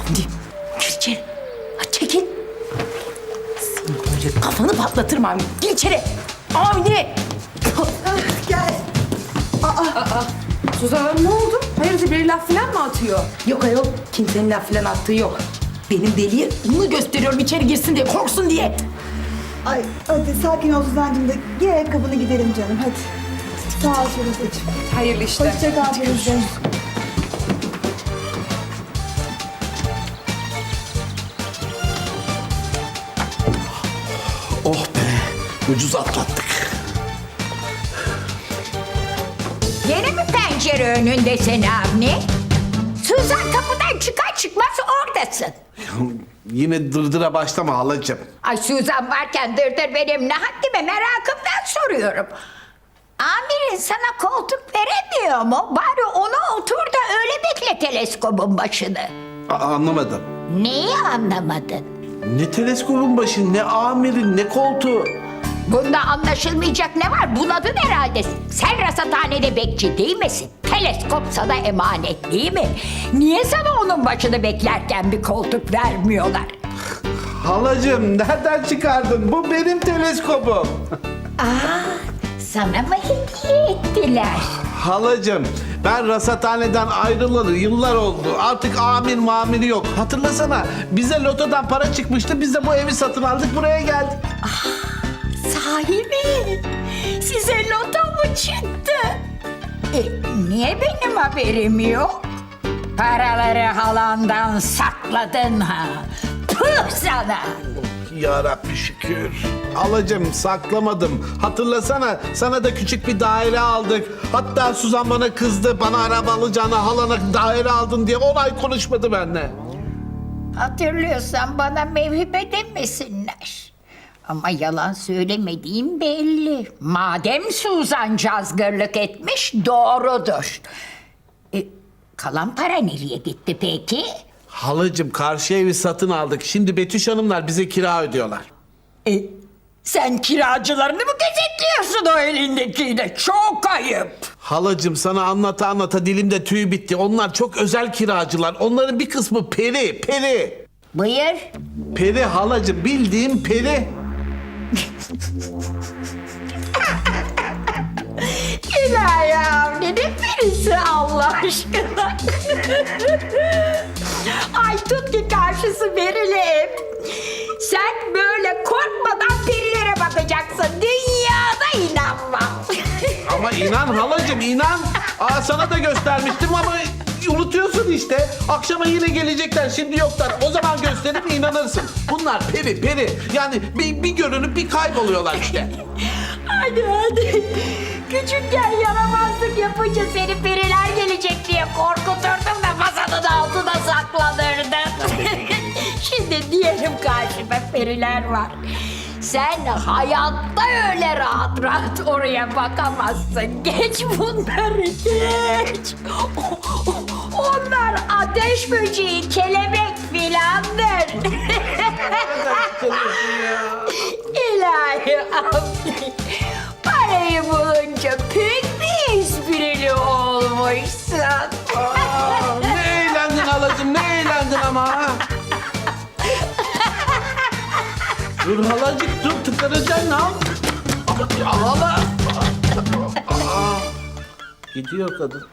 Avni, gir içeri. Ha, çekil. Senin böyle kafanı patlatırım Avni. Gir içeri. Avni. Gel. Suzan Hanım ne oldu? Hayırdır bir laf falan mı atıyor? Yok ayol, kimsenin laf falan attığı yok. Benim deliye bunu gösteriyorum içeri girsin diye, korksun diye. Ay hadi sakin ol Suzancığım da giy ayakkabını gidelim canım hadi. Sağ ol Firuzeciğim. Hayırlı işler. Hoşça kal Firuze. Oh be, ucuz atlattık. Yeni mi pencere önündesin Avni? Suzan kapıdan çıkar çıkmaz oradasın. Yine dırdıra başlama halacığım. Ay Suzan varken dırdır benim ne haddime merakımdan soruyorum. Amirin sana koltuk veremiyor mu? Bari ona otur da öyle bekle teleskobun başını. Anlamadım. Neyi anlamadın? Ne teleskopun başı, ne amirin, ne koltuğu. Bunda anlaşılmayacak ne var? Bunadın herhalde. Sen rasathanede bekçi değil misin? Teleskop sana emanet değil mi? Niye sana onun başını beklerken bir koltuk vermiyorlar? Halacığım nereden çıkardın? Bu benim teleskopum. Sana mı hediye ettiler? Halacığım ben rasathaneden ayrılalı yıllar oldu. Artık amir mamiri yok. Hatırlasana bize lotodan para çıkmıştı. Biz de bu evi satın aldık buraya geldik. Sahi mi? Size loto mu çıktı? Niye benim haberim yok? Paraları halandan sakladın ha. Puh sana! Ya Rabbi şükür. Halacığım saklamadım. Hatırlasana sana da küçük bir daire aldık. Hatta Suzan bana kızdı. Bana araba alacağına halana daire aldın diye 10 ay konuşmadı benimle. Hatırlıyorsan bana mevhibe demesinler. Ama yalan söylemediğim belli. Madem Suzan cazgırlık etmiş doğrudur. Kalan para nereye gitti peki? Halacığım karşı evi satın aldık. Şimdi Betüş Hanımlar bize kira ödüyorlar. Sen kiracılarını mı gözetliyorsun o elindekiyle? Çok ayıp. Halacığım sana anlata anlata dilimde tüy bitti. Onlar çok özel kiracılar. Onların bir kısmı peri, peri. Buyur. Peri halacığım bildiğim peri. İlahi Avni ne birisi Allah aşkına. Ay tut ki karşısı verili ev. Sen böyle korkmadan perilere bakacaksın. Dünyada inanmam. Ama inan halacığım inan. Sana da göstermiştim ama unutuyorsun işte. Akşama yine gelecekler şimdi yoklar. O zaman gösterip inanırsın. Bunlar peri peri. Yani bir görünüp bir kayboluyorlar işte. Hadi. Küçükken yaramazlık yapınca seni periler gelecek diye korkuturdum da masanın altına saklanırdın. Şimdi diyelim karşıma periler var. Sen hayatta öyle rahat rahat oraya bakamazsın. Geç bunları geç. Onlar ateş böceği, kelebek filandır. İlahi Avni. Parayı bulunca pek bir esprili olmuşsun. Ne eğlendin halacığım ne eğlendin ama ha. Dur halacık dur tıkanacaksın ha. Hala. Gidiyor kadın.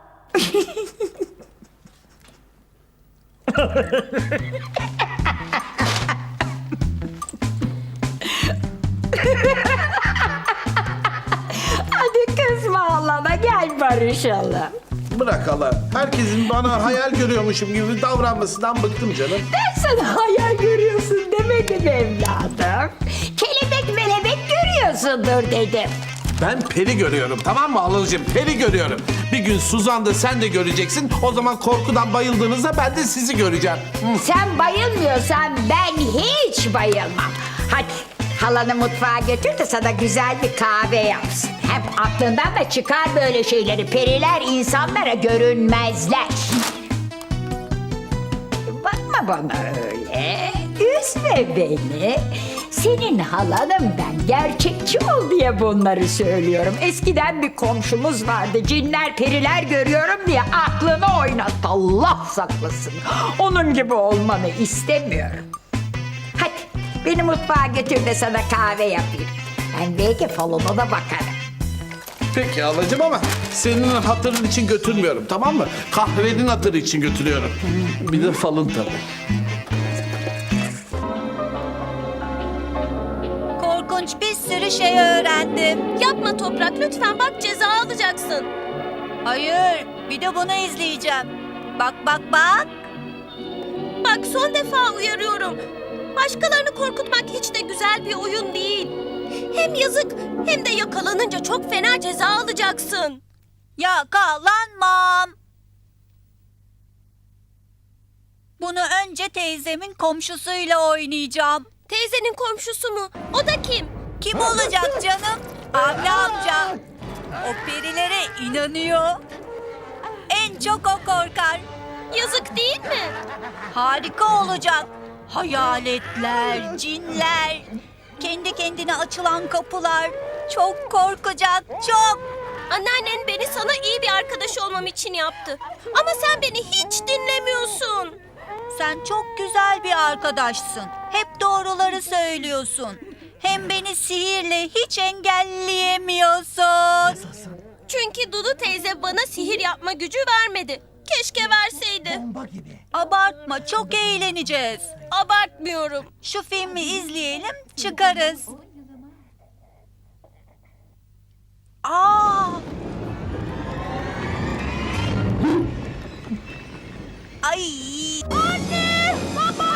Hadi kızma Allah'ına gel barışalım. Bırak hala. Herkesin bana hayal görüyormuşum gibi davranmasından bıktım canım. Ben sana hayal görüyorsun demedim evladım. Kelebek melebek görüyorsundur dedim. Ben peri görüyorum tamam mı halacığım? Peri görüyorum. Bir gün Suzan da sen de göreceksin. O zaman korkudan bayıldığınızda ben de sizi göreceğim. Sen bayılmıyorsan ben hiç bayılmam. Hadi halanı mutfağa götür de sana güzel bir kahve yapsın. Hem aklından da çıkar böyle şeyleri. Periler insanlara görünmezler. Bakma bana öyle. Üzme beni. Senin halanım ben. Gerçekçi ol diye bunları söylüyorum. Eskiden bir komşumuz vardı. Cinler, periler görüyorum diye aklını oynat. Allah saklasın. Onun gibi olmanı istemiyorum. Hadi beni mutfağa götür de sana kahve yapayım. Ben belki falona da bakarım. Peki halacığım ama senin hatırın için götürmüyorum, tamam mı? Kahvenin hatırı için götürüyorum. Bir de falın tabii. Korkunç bir sürü şey öğrendim. Yapma Toprak lütfen bak ceza alacaksın. Hayır, bir de bunu izleyeceğim. Bak bak bak. Bak son defa uyarıyorum. Başkalarını korkutmak hiç de güzel bir oyun değil. Hem yazık hem de yakalanınca çok fena ceza alacaksın. Yakalanmam. Bunu önce teyzemin komşusuyla oynayacağım. Teyzenin komşusu mu? O da kim? Kim olacak canım? Avni amca. O perilere inanıyor. En çok o korkar. Yazık değil mi? Harika olacak. Hayaletler, cinler, kendi kendine açılan kapılar. Çok korkacak, çok. Anneannen beni sana iyi bir arkadaş olmam için yaptı. Ama sen beni hiç dinlemiyorsun. Sen çok güzel bir arkadaşsın. Hep doğruları söylüyorsun. Hem beni sihirle hiç engelleyemiyorsun. Çünkü Dudu teyze bana sihir yapma gücü vermedi. Keşke verseydi. Abartma, çok eğleneceğiz. Abartmıyorum. Şu filmi izleyelim, çıkarız. Aa! Ay! Anne! Baba!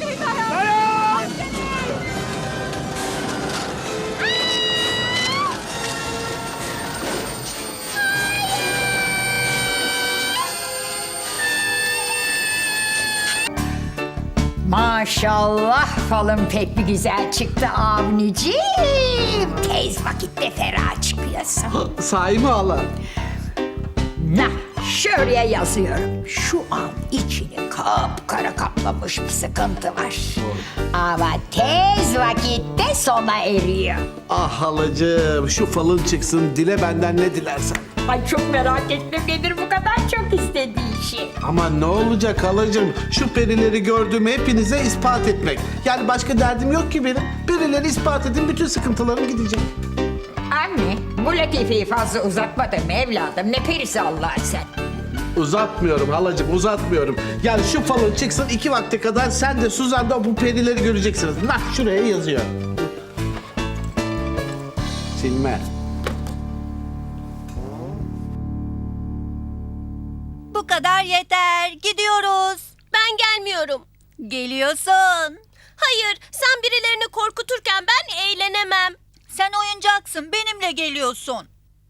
Maşallah falın pek bir güzel çıktı Avnicim. Tez vakitte ferah çıkıyorsun. Sahi mi hala? Nah, şuraya yazıyorum. Şu an içini kapkara kaplamış bir sıkıntı var. Ama tez vakitte sona eriyor. Ah halacığım, şu falın çıksın, dile benden ne dilersen. Ay çok merak ettim nedir bu kadar çok istediği şey. Ama ne olacak halacığım? Şu perileri gördüğümü hepinize ispat etmek. Yani başka derdim yok ki benim. Perileri ispat edin, bütün sıkıntılarım gidecek. Anne, bu latifeyi fazla uzatmadın mı evladım? Ne perisi Allah sen? Uzatmıyorum halacığım, uzatmıyorum. Yani şu falın çıksın 2 vakte kadar sen de Suzan da bu perileri göreceksiniz. Nah şuraya yazıyor. Silme. Bu kadar yeter. Gidiyoruz. Ben gelmiyorum. Geliyorsun. Hayır, sen birilerini korkuturken ben eğlenemem. Sen oyuncaksın. Benimle geliyorsun.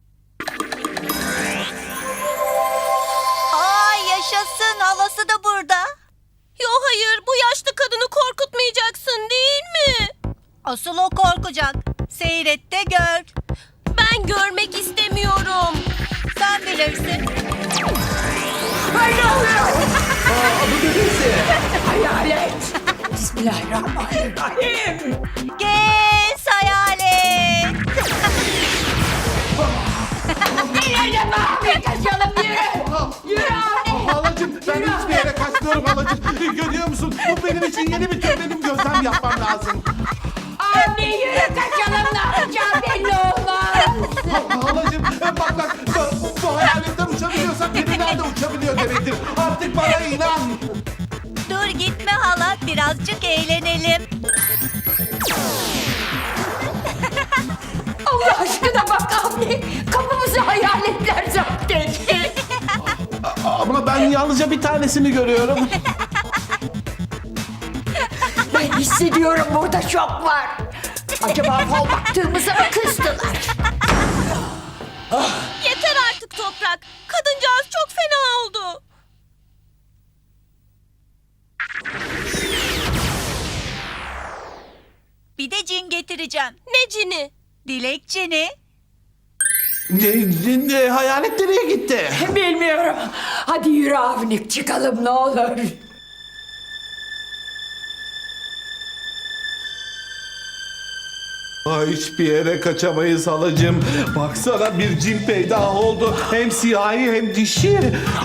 Ay yaşasın. Halası da burada. Yo hayır, bu yaşlı kadını korkutmayacaksın değil mi? Asıl o korkacak. Seyret de gör. Ben görmek istemiyorum. Sen bilirsin. Hayalet. Bismillahirrahmanirrahim. Gez hayalet. Kaçalım yürü. Yürü abi. Halacığım ben hiçbir yere kaçmıyorum halacığım. Görüyor musun? Bu benim için yeni bir tür benim gözlem yapmam lazım. Anne yürü kaçalım ne yapacağım belli olmaz. Halacığım bak bu hayaletler uçabiliyorsa periler de uçabiliyor demektir. Artık bana inan. Dur gitme hala. Birazcık eğlenelim. Allah aşkına bak anne. Kapımızı hayaletler zapt etti. Ama ben yalnızca bir tanesini görüyorum. Ben hissediyorum burada şok var. Acaba fal baktığımıza mı kızdılar? Yeter artık Toprak. Kadıncağız çok fena oldu. Bir de cin getireceğim. Ne cini? Dilekçeni. Hayalet nereye gitti? Bilmiyorum. Hadi yürü Avnik çıkalım ne olur. Hiçbir yere kaçamayız halacığım. Baksana bir cin peydah oldu. Hem siyahi hem dişi.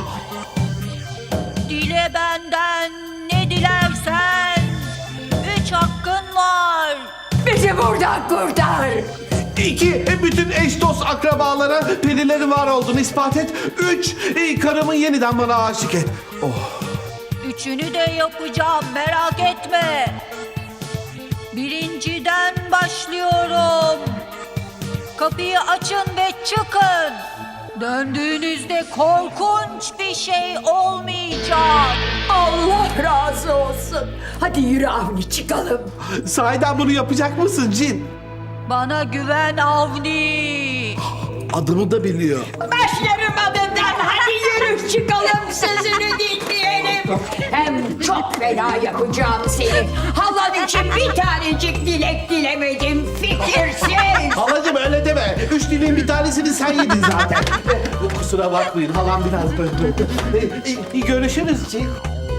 Dile benden ne dilersen. 3 hakkın var. Bizi buradan kurtar. 2, bütün eş dost akrabalara perilerin var olduğunu ispat et. 3, karımı yeniden bana aşık et. Oh. 3'ünü de yapacağım, merak etme. Birinciden başlıyorum. Kapıyı açın ve çıkın. Döndüğünüzde korkunç bir şey olmayacak. Allah razı olsun. Hadi yürü Avni çıkalım. Sahiden bunu yapacak mısın cin? Bana güven Avni. Adımı da biliyor. Başlarım adından. Hadi yürü çıkalım sözünü dinleyelim. Hem çok fena yapacağım seni. Halan için bir tanecik dilek dilemedim fikirsiz. Halacığım öyle deme. 3 dileğin bir tanesini sen yedin zaten. Kusura bakmayın halam biraz böyle. Görüşürüz cin.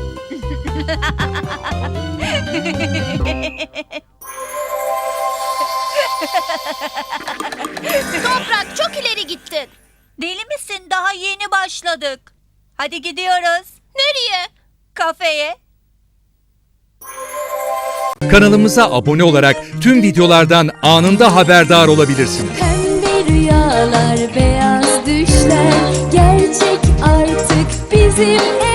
Toprak çok ileri gittin. Deli misin? Daha yeni başladık. Hadi gidiyoruz. Nereye? Kafeye. Kanalımıza abone olarak tüm videolardan anında haberdar olabilirsiniz. Pembe rüyalar, beyaz düşler gerçek artık bizim